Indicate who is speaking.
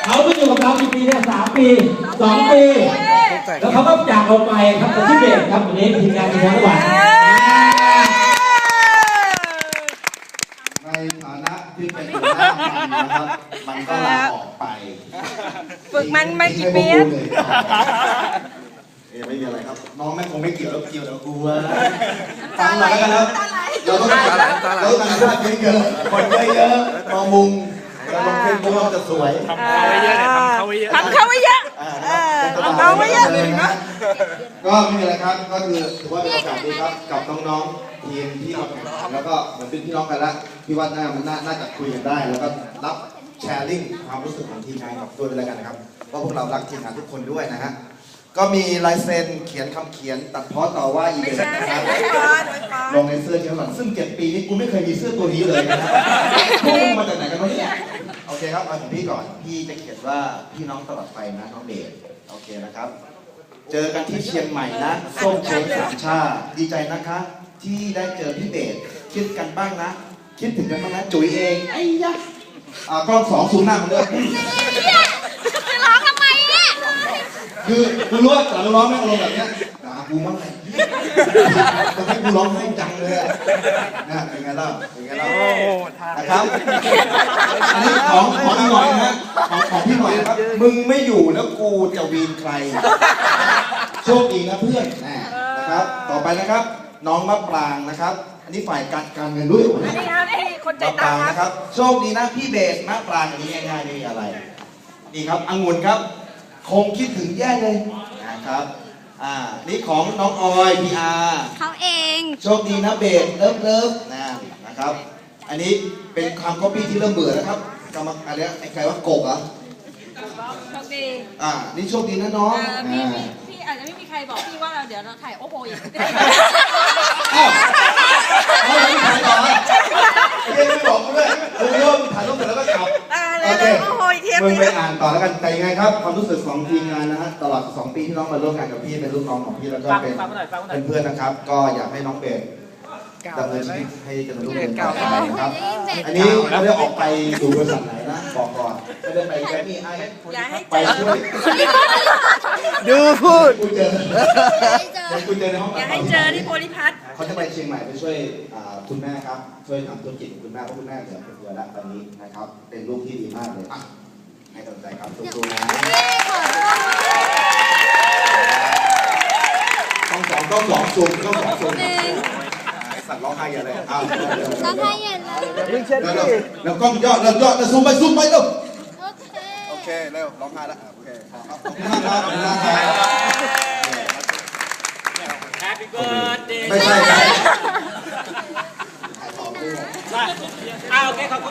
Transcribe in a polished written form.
Speaker 1: เขาไม่อยู่กับเรากี่ปีเนี่ย3 ปี2 ปีแล้วเขาก็จากเราไปครับแต่ที่เบสครับวันนี้ทีมงานทีมงานระหว่าง
Speaker 2: ในฐานะที่เป็นหัวหน้ามันนะครับมันก็ลาออกไป
Speaker 3: ฝึกมันมากี่ปี
Speaker 2: ไม่มีอะไรครับน้องแม่คงไม่เกี่ยวแล้วเกี่ยวกับกูว่าฟังหน่อยกันครับเราต้องการภาพเยอะๆคนเยอะๆมองมุมเราลงเฟซบุ๊กเราจะสวย
Speaker 3: ทำเขาไว้เยอะทำเขาไว้เยอะทำเขาไว้เยอะ
Speaker 2: เลยนะก็ไม่มีอะไรครับก็คือถือว่าเป็นโอกาสดีครับกับน้องๆทีมที่มาแข่งขันแล้วก็เหมือนเป็นพี่น้องกันละพี่ว่ามันน่าจะคุยกันได้แล้วก็รับแชร์ลิงก์ความรู้สึกของทีมงานกับด้วยแล้วกันนะครับเพราะพวกเรารักทีมงานทุกคนด้วยนะฮะก็มีลายเซ็นเขียนคำเขียนตัดพ้อต่อว่าอีเวนต์นะครับลงในเสื้อเชียงหลังซึ่ง7 ปีนี้กูไม่เคยมีเสื้อตัวนี้เลยนะพวกมาจากไหนกันวะเนี่ยโอเคครับเอาของพี่ก่อนพี่จะเขียนว่าพี่น้องตลอดไปนะน้องเดชโอเคนะครับเจอกันที่เชียงใหม่นะส้มเช้งสามชาดีใจนะคะที่ได้เจอพี่เดชคิดกันบ้างนะคิดถึงกันบ้างนะจุ๋ยเองไอ้ยะกล้อง2 ซูมหน้ามันด้วย
Speaker 3: ร้องทำไมเนี่ย
Speaker 2: คือกูรู้ว่าแต่ร้องไม่อารมณ์แบบเนี้ยกูมั่งไงต้องให้กูร้องให้จังเลยนะเป็นไงเล่านะครับอันนี้ของพี่หน่อยนะของพี่หน่อยนะครับมึงไม่อยู่แล้วกูจะวีนใครโชคดีนะเพื่อนนะครับต่อไปนะครับน้องมะปรางนะครับอันนี้ฝ่ายการเงินด้วย
Speaker 3: อันนี้ครับไอ้คนใจตา
Speaker 2: นะครับโชคดีนะพี่เบสมะปรางอันนี้ง่ายๆนี่อะไรนี่ครับองุ่นครับคงคิดถึงแย่เลยนะครับนี่ของน้องออยพีอาร์
Speaker 3: เขาเอง
Speaker 2: โชคดีนะเบสเลิฟนะครับอันนี้เป็นคำก๊อปปี้ที่เริ่มเบื่อแล้วครับกำลังอะไรไอ้ใครว่ากบอ่ะ
Speaker 3: โชคดี
Speaker 2: นี่โชคดีนะน้อง
Speaker 3: พี่อาจจะไม่มีใครบอกพี่ว่าเดี๋ยวเราถ่ายโอ้โหอย่างนี้
Speaker 2: ไม่ถ่ายต่อยังไม่บอกกูด้วยกูเริ่มถ่ายรูปเสร็จแล้วก็กลับโอเคมึงไปอ่านต่อแล้วกันแต่ยังไงครับความรู้สึกของทีมงานนะฮะตลอด2 ปีที่น้องมาร่วมงานกับพี่เป็นลูกน้องของพี่แล้วก็เป็นเพื่อนนะครับก็อยากให้น้องเบสดำเนินชีวิตให้เจริญรุ่งเรืองต่อไปนะครับอันนี้ไม่ได้ออกไปดูบริษัทไหนนะบอกก่อนไม่ได้ไปแกมี่ไอไปช่วย
Speaker 4: ดูพูด
Speaker 2: กูเจอในห้อง
Speaker 3: อย่าให้เจอที่โพลิพัท
Speaker 2: เขาจะไปเชียงใหม่ไปช่วยคุณแม่ครับช่วยทำธุรกิจคุณแม่เพราะคุณแม่เหลือคนเดียวแล้วตอนนี้นะครับเป็นลูกที่ดีมากเลยให้กำลังใจครับสู้ๆนะต้องสองซูมสั่นร้องไห้อย่าเลย
Speaker 3: ร้องไห้อย่า
Speaker 2: เลยแล้วกล้องย่อแล้วซูมไปเร็วโอเคเร็วร้องไห้แล้วโอเคขอบคุณมากครับ
Speaker 1: Happy birthday
Speaker 2: ไม่ใช่
Speaker 1: โอเคขอบคุณ